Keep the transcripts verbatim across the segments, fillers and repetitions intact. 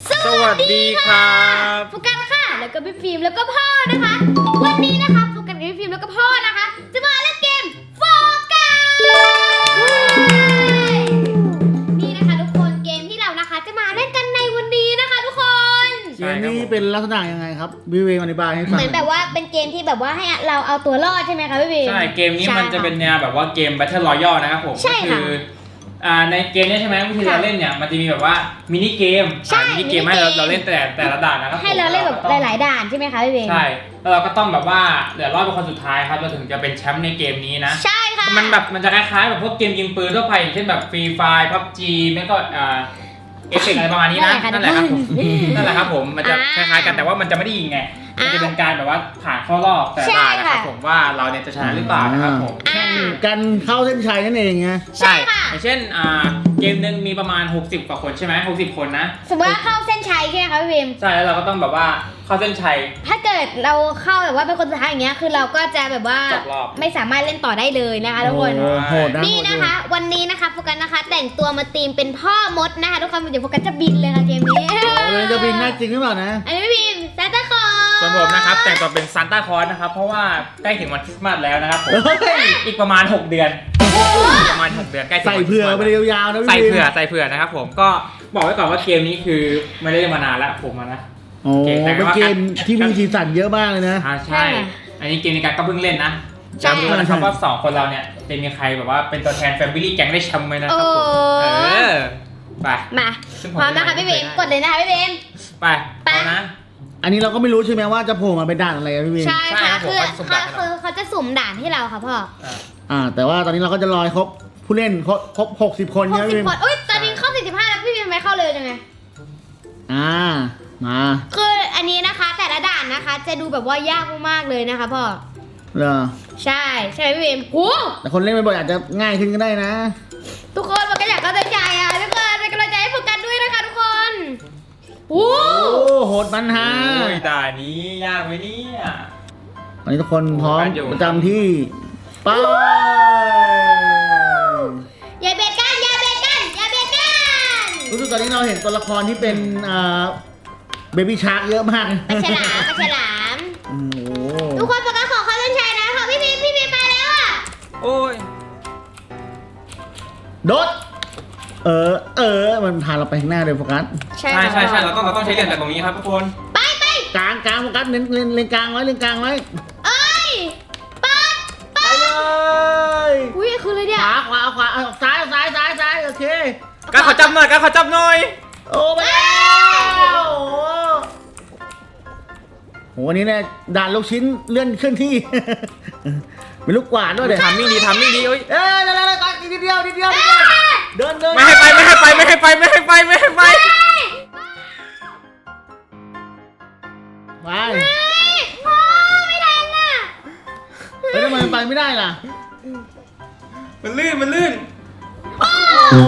สวัสดีครับโฟกัสค่ะแล้วก็พี่ฟิล์มแล้วก็พ่อนะคะวันนี้นะคะโฟกัสกับพี่ฟิล์มแล้วก็พ่อนะคะจะมาเล่นเกมโฟกัสนี่นะคะทุกคนเกมที่เรานะคะจะมาเล่นกันในวันนี้นะคะทุกคนเกมนี้เป็นลักษณะยังไงครับวิวเวอธิบายให้ฟังเหมือนแบบว่าเป็นเกมที่แบบว่าให้เราเอาตัวรอดใช่ไหมคะพี่ฟิล์มใช่เกมนี้มันจะเป็นแนวแบบว่าเกม Battle Royale นะครับผมก็คืออ่าในเกมนี้ใช่ไหมวิธีการเล่นเนี่ยมันจะมีแบบว่ามินิเกมมินิเกมให้เราเราเล่นแต่แต่ละด่านนะครับให้เราเล่นแบบหลายๆด่านใช่ไหมคะพี่ฟิล์มใช่แล้วเราก็ต้องแบบว่าเหลือรอดเป็นคนสุดท้ายครับเราถึงจะเป็นแชมป์ในเกมนี้นะใช่ค่ะมันแบบมันจะคล้ายๆแบบพวกเกมยิงปืนทั่วไปอย่างเช่นแบบฟรีไฟร์ พับจี ไม่ก็อ่าเอฟเฟกต์อะไรประมาณนี้นะนั่นแหละครับผมนั่นแหละครับผมมันจะคล้ายๆกันแต่ว่ามันจะไม่ได้ยิงไงมันจะเป็นการแบบว่าผ่านเข้ารอบแต่ละนะครับผมว่าเราเนี่ยจะชนะหรือเปล่านะครับผมการเข้าเส้นชัยนั่นเองไงใช่อย่างเช่นอ่าเกมหนึ่งมีประมาณหกสิบกว่าคนใช่ไหมหกสิบคนนะสมมติว่าเข้าเส้นชัยใช่ไหมคะพี่พิมใช่แล้วเราก็ต้องแบบว่าเข้าเส้นชัยถ้าเกิดเราเข้าแบบว่าเป็นคนสุดท้ายอย่างเงี้ยคือเราก็จะแบบว่าไม่สามารถเล่นต่อได้เลยนะคะทุกคนนี่นะคะวันนี้นะคะโฟกัสนะคะแต่งตัวมาตีมเป็นพ่อมดนะคะทุกคนเดี๋ยวโฟกัสจะบินเลยค่ะเกมนี้จะบินได้จริงหรือเปล่านะอันนี้พี่พิมซานต้าคลอสส่วนผมนะครับแต่งตัวเป็นซานต้าคลอสนะครับเพราะว่าใกล้ถึงวันคริสต์มาสแล้วนะครับผมอีกประมาณหกเดือนประมาณหกเดือนใกล้ใส่เผื่อไปยาวๆนะใส่เผื่อใส่เผื่อนะครับผมก็บอกไว้ก่อนว่าเกมนี้คือไม่ได้เล่นมานานแล้วผมนะโอ้เป็นเกมที่มีสีสันเยอะมากเลยนะใช่อันนี้เกมในการก็เพิ่งเล่นนะจำดูนะครับว่าสองคนเราเนี่ยจะมีใครแบบว่าเป็นตัวแทนแฟมิลี่แก๊งได้แชมป์ไหมนะครับผมเออไปมาพร้อมนะคะพี่เบมกดเลยนะคะพี่เบมไปไปนะอันนี้เราก็ไม่รู้ใช่ไหมว่าจะโผล่มาเป็นด่านอะไรพี่เบมใช่ค่ะคือคือเขาจะสุ่มด่านให้เราค่ะพ่ออ่าแต่ว่าตอนนี้เราก็จะรอครบผู้เล่นครบครบหกสิบคนใช่ไหมพี่เบมอุ้ยตอนนี้เข้าสี่สิบห้าแล้วพี่เบมไม่เข้าเลยยังไงอ่ามาคืออันนี้นะคะแต่ละด่านนะคะจะดูแบบว่ายากมากๆเลยนะคะพ่อเหรอใช่ใช่ไหมพี่เบมโอ้แต่คนเล่นบ่อยอาจจะง่ายขึ้นก็ได้นะทุกคนมันก็อยากเข้าใจอ่ะทุกคนเป็นกำลังใจให้โฟกัสด้วยนะคะทุกคนโอ้โหดมันฮะด่านนี้ยากไหมเนี่ยตอนนี้ทุกคนพร้อมประจำที่ไปอย่าเบียดกันอย่าเบียดกันอย่าเบียดกันรู้สึกตอนนี้เราเห็นตัวละครที่เป็นอ่าเบบี้ชาร์กเยอะมากปลาฉลามปลาฉลามทุกคนโฟกัสขอเข้าเส้นชัยนะขอพี่พีพี่พีไปแล้วอ่ะโอ้ยโดดเออเออมันพาเราไปข้างหน้าเลยโฟกัสใช่ใช่ใช่เราต้องเราต้องใช้เหรียญจากตรงนี้ครับทุกคนไปไปกลางกลางโฟกัสเน้นเน้นเลนกลางไว้เลนกลางไว้เอ้ยปัดไปเลยอุ้ยคืออะไรเนี่ยขวาขวาขวาซ้ายซ้ายซ้ายซ้ายโอเคการขอจับหน่อยการขอจับหน่อยโอ้ไปแล้วโหวันนี้เนี่ยด่านลูกชิ้นเลื่อนเคลื่อนที่เป็นลูกกวาดด้วยเดี๋ยวทำมิ่งดีทำมิ่งดีเอ้ยเอ้ยเร็วเร็วเร็วนิดเดียวนิดเดียวเดินเดินไม่ให้ไปไม่ให้ไปไม่ให้ไปไม่ให้ไปไม่ให้ไปไปพ่อไม่ทันอ่ะเฮ้ยทำไมมันไปไม่ได้ล่ะมันลื่นมันลื่นโอ้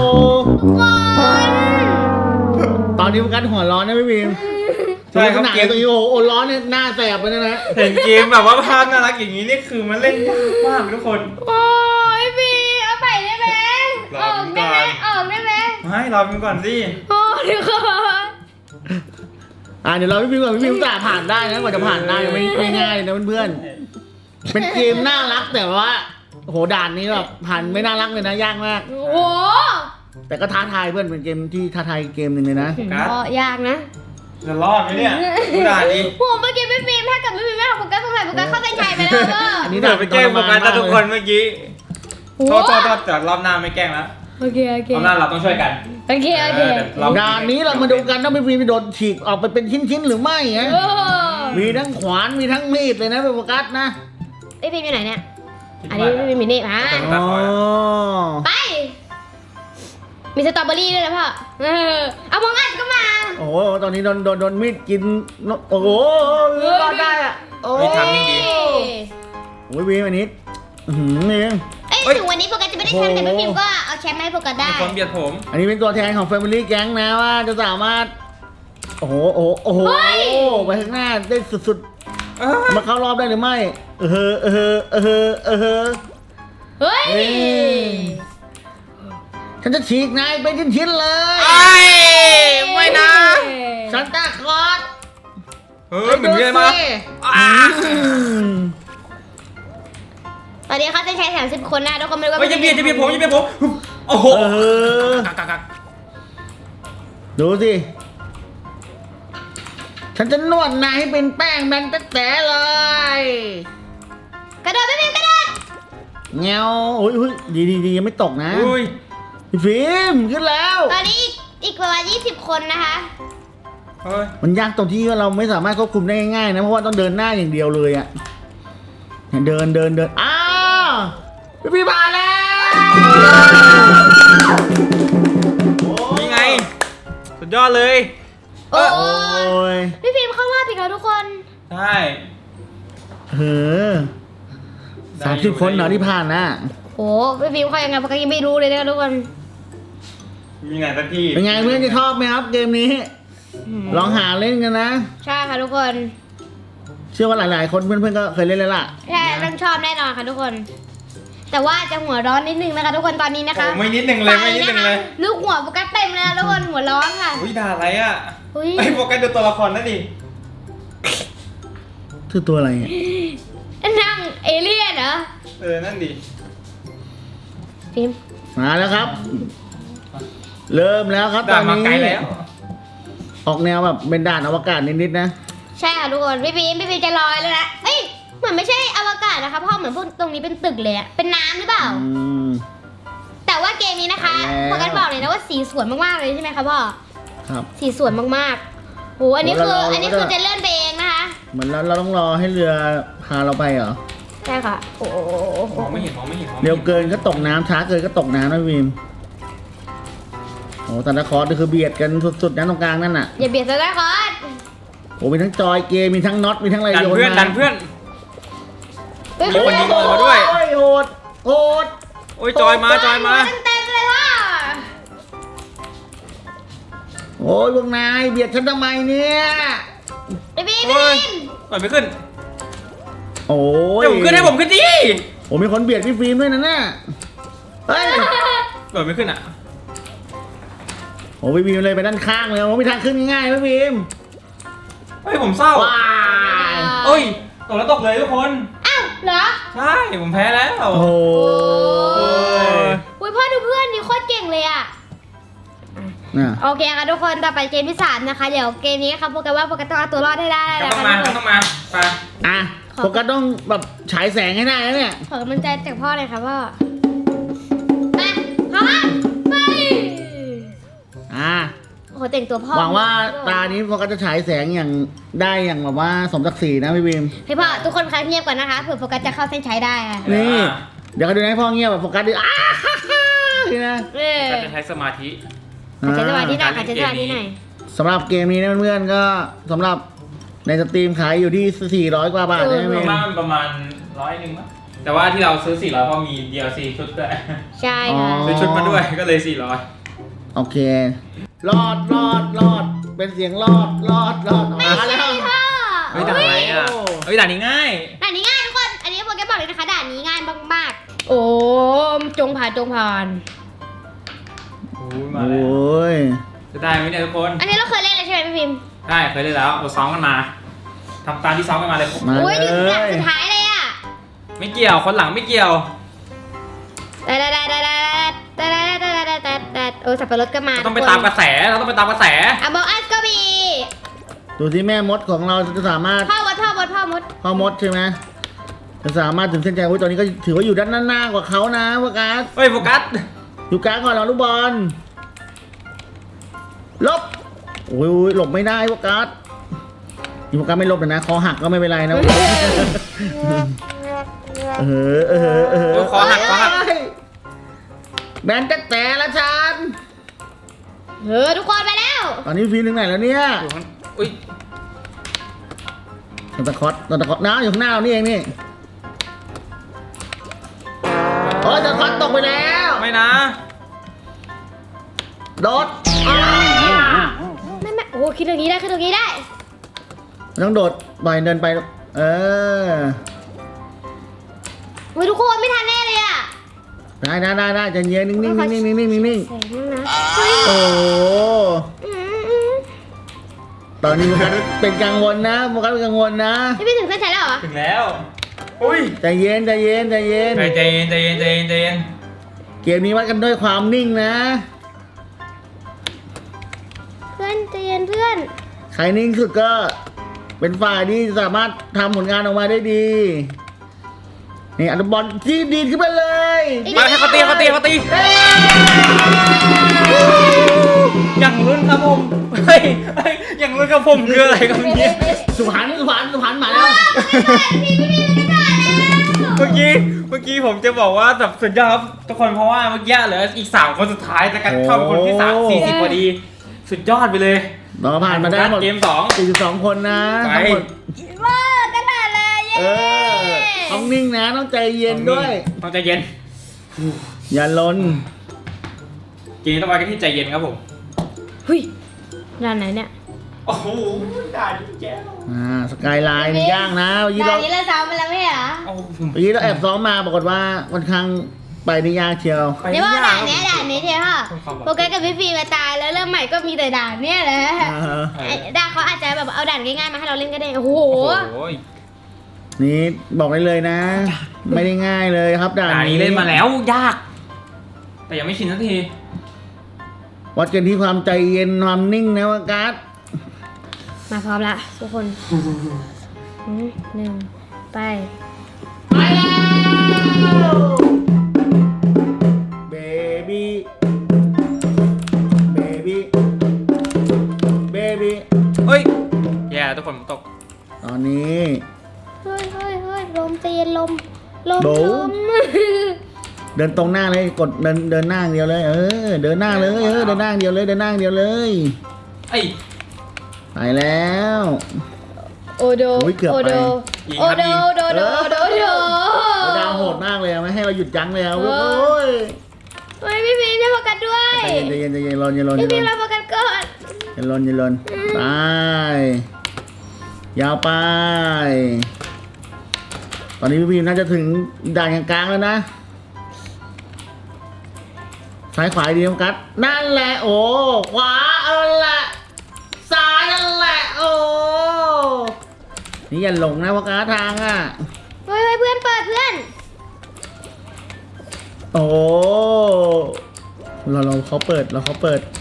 ตอนนี้มันกันหัวร้อนนะพี่บีมใช่ครับเกมตัวนี้โอ้ร้อนเนี่ยหน้าแสบไปนะนะเห็นเกมแบบว่าภาพน่ารักอย่างนี้นี่คือมันเล่นยากมากทุกคนโอ้ยบีเอาไปได้ไหมออกได้ไหมออกได้ไหมไม่รอพี่ก่อนสิโอ้เดี๋ยวก่อนอ่าเดี๋ยวเราพี่บีมก่อนพี่บีมจะผ่านได้นะกว่าจะผ่านได้ไม่ไม่ง่ายนะเพื่อนๆเป็นเกมน่ารักแต่ว่าโหด่านนี้แบบผ่านไม่น่ารักเลยนะยากมากโอ้โหแต่ก็ท้าทายเพื่อนเป็นเกมที่ท้าทายเกมหนึ่งเลยนะก็ยากนะจะรอดไหมเนี่ยด่านนี้ผมเมื่อกี้ไม่ฟิล์มถ้าเกิดไม่ฟิล์มไม่เอาโฟกัสสงสัยโฟกัสเข้าเส้นชัยไปแล้วก็อันนี้ด่านไปแกล้งโฟกัสทุกคนเมื่อกี้โทษโทษโทษแต่รอบหน้าไม่แกล้งแล้วโอเคโอเครอบหน้าเราต้องช่วยกันโอเคโอเคด่านนี้เรามาดูกันว่าไม่ฟิล์มโดนฉีกออกไปเป็นชิ้นๆหรือไม่ฮะมีทั้งขวานมีทั้งมีดเลยนะโฟกัสนะไอฟิล์มอยู่ไหนเนี่ยอันนี้ไม่มีนี่มาไปมีสตรอเบอรี่ด้วยนะพ่อเออเอามองอัดก็มาโอ้โหตอนนี้โดนโดนโดนมีดกินโอ้โหรอดได้อะโอ้ยทำดีโอ้ยวีวันนี้อืมนี่เอ้ยถึงวันนี้โฟกัสจะไม่ได้แชมป์แต่พี่พิมก็เอาแชมป์ให้โฟกัสได้คนเบียดผมอันนี้เป็นตัวแทนของ Family Gang นะว่าจะสามารถโอ้โหโอ้โหโอ้โหไปข้างหน้าได้สุดๆมาเข้ารอบได้หรือไม่เออเออเออเออเฮ้ยฉันจะฉีกนายเป็นชิ้นๆเลยไอ้ไม่นะฉันเออเหมือนเยอะมากอ่าตอนนี้เขาจะใช้แถมสิบคนนะทุกคนไม่รู้ว่าเฮ้ยจะเบียดจะเบียดผมจะเบียดผมโอ้โหเออกักกักกักดูสิฉันจะนวดนายให้เป็นแป้งแบนแต๊ะๆเลยกระโดดไม่เป็นกระโดดเงาโอ้ยดีดีดียังไม่ตกนะอุ้ยพี่ฟิล์มขึ้นแล้วตอนนี้อีกอีกประมาณยี่สิบคนนะคะเฮ้ยมันยากตรงที่ว่าเราไม่สามารถควบคุมได้ง่ายๆนะเพราะว่าต้องเดินหน้าอย่างเดียวเลยอะเนี่ยเดินเดินเดินอ้าวพี่ฟิล์มมาแล้วนี่ไงสุดยอดเลยโอ้โอ้ยพี่ฟิล์มเข้ารอบอีกแล้วทุกคนใช่เออสามสิบคนเหรอที่ผ่านนะโอ้พี่ฟิล์มเขายังไงเพราะก็ยังไม่รู้เลยนะทุกคนมีไหนสักที่เป็นไงเพื่อนจะชอบไหมครับเกมนี้ ลองหาเล่นกันนะใช่ค่ะทุกคนเชื่อว่าหลายๆ คนเพื่อนๆก็เคยเล่นแล้วล่ะใช่ต้องชอบแน่นอนค่ะทุกคน แต่ว่าจะหัวร้อนนิดนึงนะคะทุกคนตอนนี้นะคะโอ้ไม่นิดนึงเลยไม่นิดนึงเลยลูกหัวโฟกัสเต็มเลยนะทุกคนหัวร้อนค่ะอุ้ยด่าอะไรอ่ะอุ้ยไอ้โฟกัสดูตัวละครนั่นดิคือตัวอะไรอ่ะนั่งเอเลี่ยนเหรอเออนั่นดิฟิล์มมาแล้วครับ เริ่มแล้วครับตด่าอนมานี้ไกลแล้วออกแนวแบบเป็นด่านอวกาศนิดๆนะใช่ค่ะทุกคนพี่ฟิล์มพี่ฟิล์มจะลอยแล้วนะเอ้ยเหมือนไม่ใช่อวกาศนะคะเพราะเหมือนพวกตรงนี้เป็นตึกเลยอะเป็นน้ำหรือเปล่าอืมแต่ว่าเกมนี้นะคะแล้วโฟกัสบอกเลยนะว่าสีสวยมากๆเลยใช่ไหมคะพ่อครับสีสวยมากๆโหอันนี้คือแล้วเราอันนี้คือจะเลื่อนไปเองนะคะเหมือนเราเราต้องรอให้เรือพาเราไปเหรอใช่ค่ะโอ้โหมองไม่เห็นมองไม่เห็นมองไม่เร็ห็วน เกินก็ตกน้ำช้าเกินก็ตกน้ำนะวิมโอ้แต่ละคอร์สนี่คือเบียดกันสุดๆนะตรงกลางนั่นน่ะอย่าเบียดซะนะคอสโอ้มีทั้งจอยเกมมีทั้งน็อตมีทั้งอะไรดันโยนเพื่อนมาดันเพื่อนเฮ้ยมีคนยิงออกมาด้วยโอ้ยโหดโหดโอ้ยจอยมาจอยมาเต็มๆเลยว่ะโอ้ยพวกนายเบียดฉันทำไมเนี่ยไอ้บีมโอ้ยบีมปล่อยไม่ขึ้นโอ้ยเดี๋ยวผมขึ้นให้ผมขึ้นดิโอ้มีคนเบียดพี่ฟิล์มด้วยนะน่ะเฮ้ยปล่อยไม่ขึ้นอ่ะโอ้พี่ฟิล์มเลยไปด้านข้างเลยโอ้ไม่ทางขึ้นง่ายๆพี่ฟิล์มเฮ้ยผมเศร้าว้ายโอ้ยตกแล้วตกเลยทุกคนอ้าวเหรอใช่ผมแพ้แล้วโอ้โหโอ้ยอุ้ยพ่อดูเพื่อนนี่โคตรเก่งเลยอ่ะน่ะโอเคค่ะทุกคนต่อไปเกมที่สามนะคะ เดี๋ยวเกมนี้ค่ะโปรแกรมว่าโปรแกรมต้องเอาตัวรอดให้ได้ก็นะต้องคะมาทุกคก็นต้องมาไปอ่ะโฟกัสต้องแบบฉายแสงให้ได้นะเนี่ยขอกำลังใจจากพ่อเลยค่ะพ่อไปพร้อมไปอ่ะโอ้โหแต่งตัวพ่อหวังว่าตานี้โฟกัสจะฉายแสงอย่างได้อย่างแบบว่าสมศักดิ์ศรีนะพี่ฟิล์มให้พ่อทุกคนคะเงียบก่อนนะคะเผื่อโฟกัสจะเข้าเส้นชัยได้ค่ะนี่เดี๋ยวเขาดูให้พ่อเงียบแบบโฟกัสดิอ้าฮ่าฮ่านี่นะเออก็จะใช้สมาธิขัดใจสมาธิหน่อยอ่าขัดใจสมาธิหน่อยสำหรับเกมนี้นะเพื่อนๆก็สำหรับในสตรีมขายอยู่ที่สี่ร้อยกว่าบาทนะปพี่ระมาณประมาณร้อยหนึ่งมั้งแต่ว่าที่เราซื้อสี่ร้อยเพราะมี ดี แอล ซี ชุดด้วยใช่ค่ะซื้อชุดมาด้วยก็เลยสี่ร้อยโอเค รอดรอดรอดเป็นเสียงรอดรอดรอดออกมาแล้วพ่อเฮ้ยด่านอะไรอ่ะเฮ้ยด่านนี้ง่ายด่านนี้ง่ายทุกคน อันนี้โปรแกรมบอกเลยนะคะด่านนี้ง่ายมากๆโอ้จงผ่านจงผ่านโอ้ยมาโอแล้ว้ยจะได้ไหมเนี่ยทุกคนอันนี้เราเคยเล่นแล้วใช่ไหมพี่พิมพ์ได้เคยได้แล้วเราซ้อมกันมาทำตามที่ซ้อมกันมาเลยมาโอ้ยเลอยู่หลักยสุดท้ายเลยอ่ะไม่เกี่ยวคนหลังไม่เกี่ยวแต่แต่แต่แต่แต่แต่แต่แต่แต่แต่โอ้สับปะรดก็มาเราต้องไปตามกระแสเราต้องไปตามกระแสอ่ะบอกอัสก็มีดูที่แม่มดของเราจะสามารถพ่อมดพ่อมดพ่อมดพ่อมดใช่ไหมจะสามารถถึงเส้นชัยโอ้ยตอนนี้ก็ถือว่าอยู่ด้านหน้ากว่าเขานะโฟกัสเฮ้ยโฟกัสอยู่กลางก่อนเราลูกบอลลบโอ้ยหลบไม่ได้โฟกัสนี่โฟกัสไม่ลบเลยนะคอหักก็ไม่เป็นไรนะเออเออเออโอ้ยคอหักคอหักแบนแต่แต่ละฉันเออทุกคนไปแล้วตอนนี้ฟิล์มถึงไหนแล้วเนี่ยอยู่ข้างอุ้ยซันตาคลอสซันตาคลอสน้าอยู่ข้างหน้าเรานี่เองนี่โอ้ยซันตาคลอสตกไปแล้วไม่นะโดดอ้าวไม่ไม่โอ้คิดตรงนี้ได้คิดตรงนี้ได้ต้องโดดบ่อยเดินไปเออโอ้ยทุกคนไม่ทันแน่เลยอ่ะได้ได้ได้ได้ใจเย็นนิ่งนิ่งนิ่งนิ่งนิ่งนิ่งนิ่งแสงนะเฮ้ยโอ้อืมอืมตอนนี้โฟกัสเป็นกังวลนะโฟกัสเป็นกังวลนะพี่พี่ถึงเส้นชัยแล้วเหรอถึงแล้วอุ้ยใจเย็นใจเย็นใจเย็นใจเย็นใจเย็นใจเย็นใจเย็นเกมนี้วัดกันด้วยความนิ่งนะเพื่อนใจเย็นเพื่อนใครนิ่งสุดก็เป็นฝ่ายที่สามารถทำผลงานออกมาได้ดีนี่อันบอลที่ดีดขึ้นไปเลยมาให้เขาตีเขาตีเขาตีอย่างรุ่นครับผมเฮ้ยเฮ้ยอย่างรุ่นกับผมคืออะไรครับเนี่ยสุพรรณสุพรรณสุพรรณมาแล้วเมื่อกี้เมื่อกี้ผมจะบอกว่าแบบสุดยอดครับทุกคนเพราะว่าเมื่อกี้เหลืออีกสามคนสุดท้ายแต่กันเข้าเป็นคนที่สามสี่สิบพอดีสุดยอดไปเลยเราผ่านมาได้หมดเกมสองสี่สิบสองคนนะไปทั้งหมดว้ากระดาษเลยเย้เออต้องนิ่งนะต้องใจเย็นด้วยต้องใจเย็นอย่าลนเกมนี้ต้องไปกันที่ใจเย็นครับผมหุยด้านไหนเนี่ยโอ้โหด่าดีแก้วอ่าสกายไลน์นี่ย่างนะเมื่อกี้ด่าเรานนี้เราซ้อมไปแล้วไม่ใช่เหรอโอ้โหเมื่อกี้เราแอบซ้อมมาปรากฏว่าค่อนข้างไปในยากเชียวไปเดี๋ยวว่าไม่ยด่าก นเนี้ยด่านนี้เทียวค่ะความหวังโปรแกรมกับพี่ฟีมาตายแล้วเริ่มใหม่ก็มีแต่ด่านเนี้ยแหละอ่าฮะไอ้ด่านเขาอาจจะแบบเอาด่านง่ายๆมาให้เราเล่นก็ได้โอ้โหโอ้โหนี่บอกได้เลยนะ ไม่ได้ง่ายเลยครับด่านด่านนี้เล่นมาแล้วยาก แต่ยังไม่ชินสักทีวัดกันที่ความใจเย็นความนิ่งนะว่าการ์ดมาพร้อมละทุกคนอืมหนึ่งไปเบบี้เบบี้เบบี้เฮ้ยแย่ทุกคนผมตกตอนนี้เฮ้ยเฮ้ยเฮ้ยลมเตียนลมลมโบลมเดินตรงหน้าเลยกดเดินเดินหน้าอย่างเดียวเลย เออ เดินหน้าเลยเออเดินหน้าอย่างเดียวเลยเดินหน้าอย่างเดียวเลยไอ้ไปแล้วโอโดโอ้ยเกือบไปโอโดโอโดโดโดโดโดดาวโหดมากเลยอะไม่ให้เราหยุดยั้งเลยอะเออโอ้ยเฮ้ยพี่พีมจะโฟกัสด้วยใจเย็นใจเย็นใจเย็นรอนอย่ารอนอพี่ย่าพีมรเราอนโฟกัสก่อนอย่ารอนอย่ารอนไปยาวไป ตอนนี้พี่พีมน่าจะถึงด่านกลางๆแล้วนะซ้ายขวาดีนะกัดนั่นแหละโอ้ขวาเออแหละซ้ายนั่นแหละโอ้นี่อย่าหลงนะว่าการทางอ่ะเฮ้ยเฮ้ยเพื่อนเปิดเพื่อนโอ้เราเราเขาเปิดเราเขาเปิด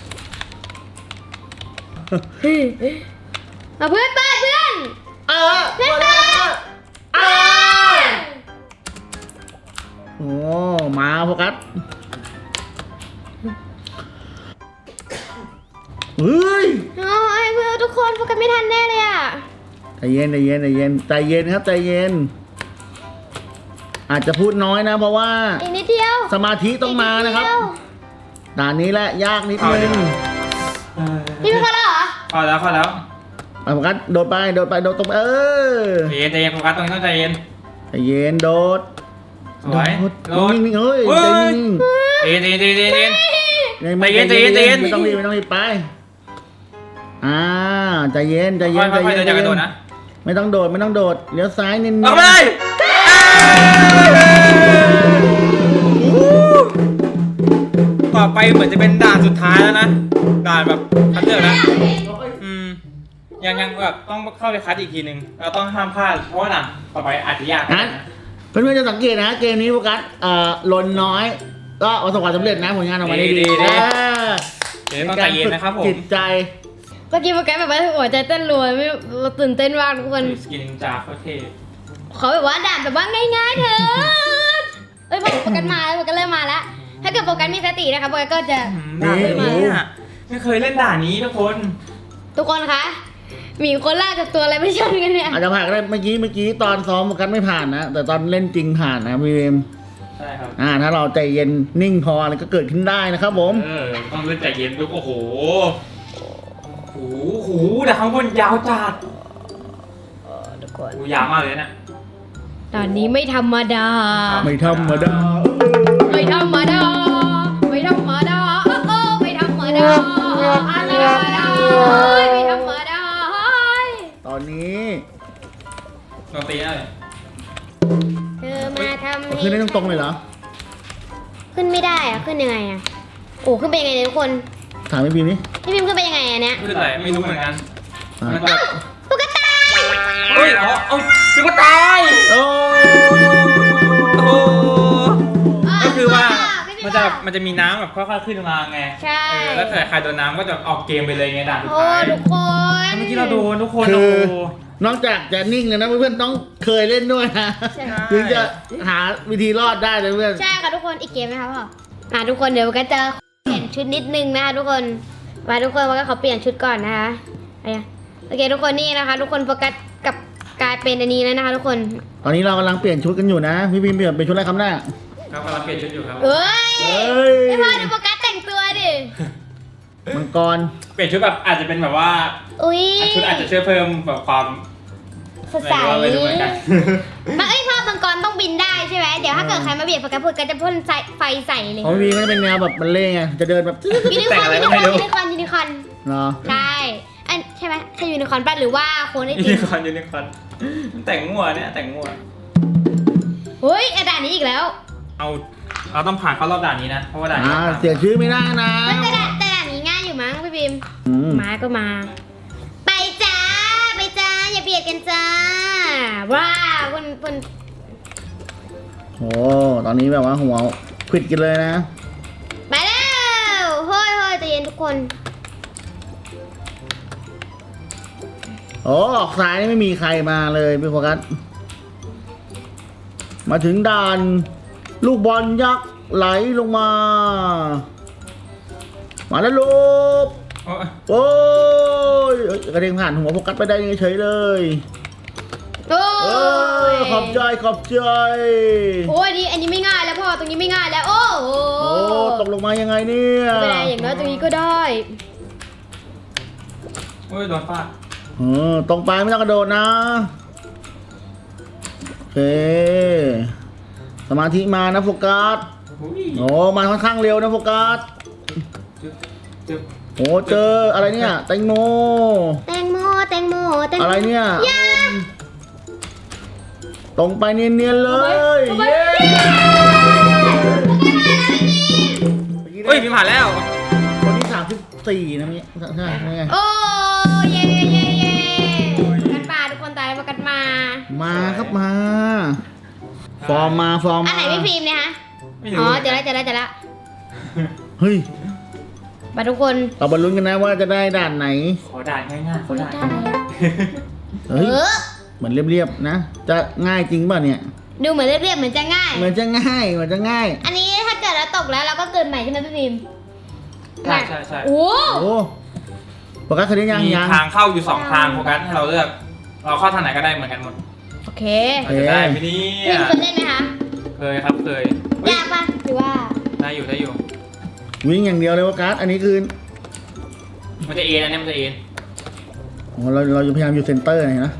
มาเพื่อนเปิดเพื่อนเออเพื่อนเปิดเออโอ้มาโฟกัสเฮ้ยโอ้ยเพื่อนทุกคนโฟกัสไม่ทันแน่เลยอ่ะใจเย็นใจเย็นใจเย็นใจเย็นครับใจเย็น อาจจะพูดน้อยนะ เพราะว่าอีกนิดเดียวสมาธิต้องมานะครับอีกดเดียวด่านนี้แหละยากนิดนึงพี่เป็นคนแล้วเหรอพอแล้วพอแล้วเอาโฟกัสโดดไปโดดไปโดดตรงไปเออใจเย็นใจเย็นโฟกัสตรงนี้ต้องใจเย็นใจเย็นโดดสวยโดดโดดนิ่งๆเฮ้ยเฮ้ยใจนิ่งใจเย็นใจเย็นใจเย็นใจเย็นๆใจเย็นใจเย็นใจเย็นไม่ต้องรีบไม่ต้องรีบไปอ่าใจเย็นใจเย็ค่อน ยใจค่อยๆเย็เดินนจากกระโดดนะไม่ต้องโดดไม่ต้องโดดเลี้ยวซ้ายเน้นๆออกไปเลยต่อไปเหมือนจะเป็นด่านสุดท้ายแล้วนะ ด่านแบบคัดเลือกนะอืมยังยังแบบต้องเข้าไปคัดอีกทีนึงเราต้องห้ามพลาดเพราะว่าด่านต่อไปอาจจะยากนะเพื่อนๆจะสังเกตนะเกมนี้โฟกัสเอ่อลนน้อย ก็ประสบความสำเร็จนะผลงานออกมาได้ดีนะเดี๋ยวต้องใจเย็นนะครับผมจิตใจเมื่อกี้โฟกัสแบบว่าหัวใจเต้นรัวไม่เราตื่นเต้นมากทุกคนสกินจากโคตรเท่ขอแบบว่าด่านแบบว่าง่ายๆเถอะเอ้ยพอโฟกัสมาแล้วโฟกัสเริ่มมาแล้วถ้าเกิดโฟกัสมีสตินะคะโฟกัสก็จะด่านแบบนี้อะไม่เคยเล่นด่านนี้ทุกคนทุกคนคะหมีคนล่ากับตัวอะไรไม่ชนกันเนี่ยอาจจะผ่านก็ได้เมื่อกี้เมื่อกี้ตอนซ้อมโฟกัสไม่ผ่านนะ แต่ตอนเล่นจริงผ่านนะพี่เวมใช่ครับอ่าถ้าเราใจเย็นนิ่งพออะไรก็เกิดขึ้นได้นะครับผมเออต้องเล่นใจเย็นดูโอ้โหโอ้โหแต่ข้างบนยาวจัดทุกคนโอ้ยาวมากเลยนะด่านนี้ไม่ธรรมดาไม่ธรรมดาไม่ธรรมดา ไม่ธรรมดาโอ้ไม่ธรรมดาไม่ธรรมดาไม่ธรรมดาตอนนี้ลองตีหน่อยเธอมาทำเอาขึ้นได้ตรงๆเลยเหรอขึ้นไม่ได้อะขึ้นยังไงอะโอ้ขึ้นไปยังไงเนี่ยทุกคนถามพี่พีนี่พี่พิมพ์ขึ้นไปยังไงอะเนี่ยขึ้นอะไรไม่รู้เหมือนกันมันแบบตุ๊กตาเฮ้ยอ๋อเอาคือก็ตายโอ้โอ้ก็คือว่าไม่มันได้จะมันจะมีน้ำแบบค่อยๆขึ้นมาไงใช่เออแล้วแต่ใครโดนน้ำก็จะออกเกมไปเลยไงด่านสุดโอ้ท้ายทุกคนเมื่อกี้เราโดนทุกคนคืโอ้อโหนอกจากจะนิ่งเลยนะเพื่อนๆต้องเคยเล่นด้วยนะใช่ถึงจะหาวิธีรอดได้เลยเพื่อนใช่ค่ะทุกคนอีกเกมไหมคะพ่ออ่ะทุกคนเดี๋ยวก็จะเปลี่ยนชุดนิดนึงนะคะทุกคนมาทุกคนว่าก็ขอเปลี่ยนชุดก่อนนะคะอะไรอ่ะโอเคทุกคนนี่นะคะ ทุกคนโฟกัสกับกลายเป็นอันนี้แล้วนะคะทุกคนตอนนี้เรากำลังเปลี่ยนชุดกันอยู่นะพี่พิมเปลี่ยนเป็นชุดอะไรครับหน้าครับกำลังเปลี่ยนชุดอยู่ครับเอ้ยเอ้ยไม่พอดูโฟกัสแต่งตัวดิมังกรเปลี่ยนชุดแบบอาจจะเป็นแบบว่าอุ้ยชุดอาจจะช่วยเพิ่มแบบความสดใสไม่รู้เหมือนกันมาเอ้ยพ่อมังกรต้องบินได้ใช่ไหมเดี๋ยวถ้าเกิดใครมาเบียดโฟกัสโฟกัสจะพ่นไฟไฟใส่เลยของพี่พิมก็จะเป็นแนวแบบบัลเล่ต์ไงจะเดินแบบยูนิคอร์นยูนิคอร์นยูนิคอร์นยูนิคอร์นเนาะใช่อันใช่ไหมใช่ยูนิคอร์นป่ะหรือว่าโคนไอยูตินิมคอร์นยูนิคอร์นแต่งมั่วเนี่ยแต่งมั่วเฮ้ยไอ้ด่านนี้อีกแล้วเอาเราต้องผ่านเข้ารอบด่านนี้นะเพราะว่าด่านนี้อ่าผ่านเสียชื่อไม่ได้นะเฮ้ยแต่ด่านแต่ด่านนี้ง่ายอยู่มั้งพี่บิมอืมมาก็มา ไปจ้าไปจ้าอย่าเบียดกันจ้าว้าวคุณคุณโอ้ตอนนี้แบบว่าหัวขวิดกันเลยนะไปแล้วเฮ้ยเฮ้ยใจเย็นทุกคนโอ้ออกซ้ายนี่ไม่มีใครมาเลยพี่โฟกัสมาถึงด่านลูกบอลยักษ์ไหลลงมา มาแล้วลูกโอ้ยโอ้ยเอ้ยกระเด็นผ่านหัวโฟกัสไปได้ยังไงเฉยเลยโอ้เอย อขอบใจขอบใจโอ้ยนี่อันนี้ไม่ง่ายแล้วพ่อตรงนี้ไม่ง่ายแล้วโอ้โหโอ้ตกลงมายังไงเนี่ยไม่ได้อย่างน้อยตรงนี้ก็ได้โอ้ยโดนฟาดเออตรงไปไม่ต้องกระโดดนะโอเคสมาธิมานะโฟกัสอุ้ยโอ้มาค่อนข้างเร็วนะโฟกัสจึ๊บจึ๊บโอ้เจออะไรเนี่ยแตงโมแตงโมแตงโมแตงโมอะไรเนี่ยยาตรงไปเนียนๆเลยเอาไปเย้เฮ้ยพิมพ์ผ่านแล้วคนที่สามสิบสี่นะเนี้ยใช่ไหมโอ้เย่เย่เย่เย่กันป่าทุกคนตายแล้วกันมามาครับมา ฟอร์มมาฟอร์มอันมาไหนพี่ฟิล์มเนี่ยฮะไม่อ๋รู้อเจอแล้วเจอแล้วเจอแล้วเฮ้ยมาทุกคนเราบรรลุนกันนะว่าจะได้ด่านไหนขอด่านง่ายๆขอด่านเอเฮ้ยอเหมือนเรียบๆนะ จะง่ายจริงป่ะเนี่ยดูเหมือนเรียบๆเหมือนจะง่ายเหมือนจะง่ายเหมือนจะง่ายอันนี้ถ้าเกิดเราตกแล้วเราก็เกิดใหม่ใช่ไหมพี่ฟิล์มใช่ใช่ใช่โอ้โอ้โฟกัสเคยได้ยังมียังทางเข้าอยู่สองทางโฟกัสให้เราเลือก เราเข้าทางไหนก็ได้เหมือนกันหมดโอเคเราจะได้ไหมเนี่ฟิยล์มเคยเล่นไหมคะเคยครับเคยเฮ้ยยากปะหรือว่าได้อยู่ได้อยู่วิ่งอย่างเดียวเลยโฟกัสอันนี้คือมันจะเอ็นอันนี้มันจะเอ็นโอ้เราเราจะพยายามอยู่เซนเตอร์นะ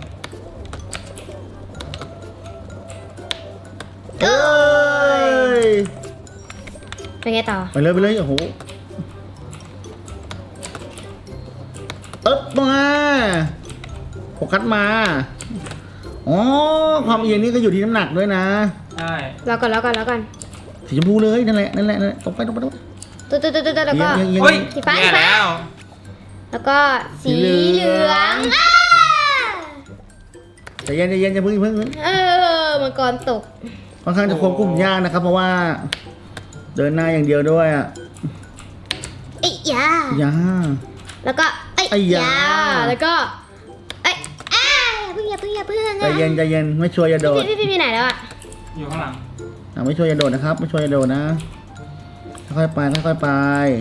เอเอ้อย เป็นไงต่อไปเลยไปเลยโอ้โหเอ๊บมาโฟกัสมาอ๋อความเอียงนี่ก็อยู่ที่น้ำหนักด้วยนะใช่รอก่อนรอก่อนรอก่อนสีชมพูเลยนั่นแหละนั่นแหละนั่นแหละตรงไปตรงไปตรงไปตุ๊ดตุ๊ดตุ๊ดตุ๊ดแล้วก็เอียงเอียงเฮ้ยสีฟ้าแย่แล้วแล้วก็สีเหลืองอ้าใจเย็นใจเย็นจะพึ่งอย่าพึ่งเออมังกรตกค่อนข้างจะควบคุมยากนะครับ เพราะว่า เดินหน้าอย่างเดียวด้วยอ่ะไอ้ยายาแล้วก็ไอ้ไอ้ยายาแล้วก็ไอ้อ้าอย่าเพิ่งอย่าเพิ่งอย่าเพิ่งใจเย็นใจเย็นไม่ช่วยอย่าโดดพี่พี่พี่ไหนแล้วอะอยู่ข้างหลังอ่ะไม่ช่วยอย่าโดดนะครับ ไม่ช่วยอย่าโดดนะค่อยๆไปค่อยๆไป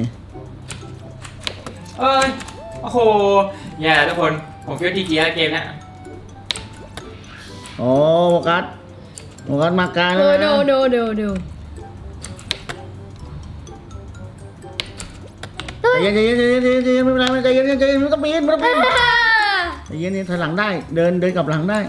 เอ้ยโอ้โหแย่ทุกคนผมคิดว่าทีเกียร์เกมเนี้ยโอ้โฟกัสโฟกัสมาไกลโนเลยโนนะโนโนโนใจเย็นใจเย็นใจเย็นใจเย็นใจเย็นไม่เป็นไรไม่เป็นไรใจเย็นใจเย็นไม่ต้องปีนไม่ต้องปีนใจเย็นนี่ถอยหลังได้ เดินเดินกลับหลังได้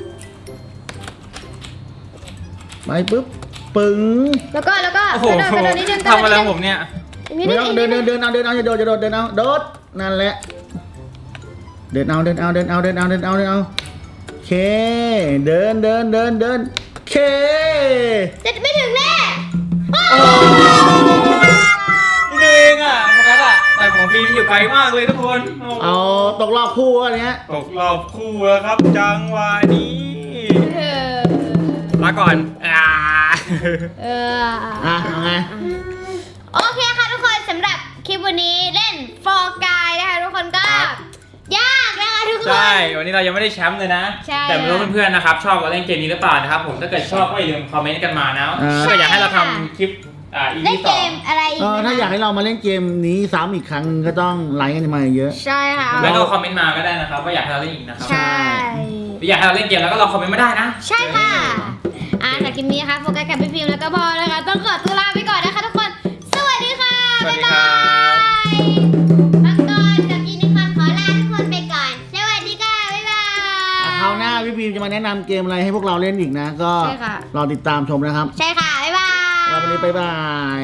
ไปปุ๊บปึ๋งแล้วก็แล้วก็โอ้โหกระโดดกระโดดนิดนึงทำอะไรผมเนี่ยนิดไม่นึงต้องนิเดิดนนึเดิงนเดินเอาเดินเอาอย่าโดดอย่าโดดเดินเอาโดดนั่นแหละ เดินเอาเดินเอาเดินเอาเดินเอาเดินเอาเดินเอาโอเคเดินเดินเดินเดินโอเคจะไม่ถึงแน่นี่เองอ่ะโฟกัสอ่ะแต่ของฟิล์มอยู่ไกลมากเลยทุกคนโโหเอาตกรอบคู่อันเนี้ยตกรอบคู่แล้วครับจังหวะนี้เออลาก่อนอ่าเอออ่ะเอาไงโอเคค่ะทุกคนสำหรับคลิปวันนี้เล่นฟอร์กายนะคะทุกคนก็ยากนะคะทุกคนใช่วันนี้เรายังไม่ได้แชมป์เลยนะใช่แต่ไม่รู้เพื่อนๆนะครับชอบเราเล่นเกมนี้หรือเปล่านะครับผมถ้าเกิดชอบก็อย่าลืมคอมเมนต์กันมานะถ้าเกิดอยากให้เราทำคลิปอ่าอีเล่พีนสเกองมอะไรอีกเออนะคะถ้าอยากให้เรามาเล่นเกมนี้ซ้ำอีกครั้งก็ต้องไลค์กันมาเยอะใช่ค่ะแล้วก็คอมเมนต์มาก็ได้นะครับว่าอยากให้เราเล่นอีกนะครับใช่หรืออยากให้เราเล่นเกมแล้วก็ลองคอมเมนต์มาได้นะใช่ค่ะอ่าจากคลิปนี้นะคะโฟกัสกับพี่ฟิล์มแล้วก็พอนะคะต้องขอตัวลาไปก่อนนะคะทุกคน สวัสดีค่ะสวัสบ๊ายดีคบารับยมังกรกับยูนิคอร์นขอลาทุกคนไปก่อน สวัสดีค่ะ บ๊ายบายๆคราวหน้าพี่พิมจะมาแนะนำเกมอะไรให้พวกเราเล่นอีกนะ ก็ใช่ค่ะรอติดตามชมนะครับใช่ค่ะ บ๊ายบายแล้ววันนี้บ๊ายบาย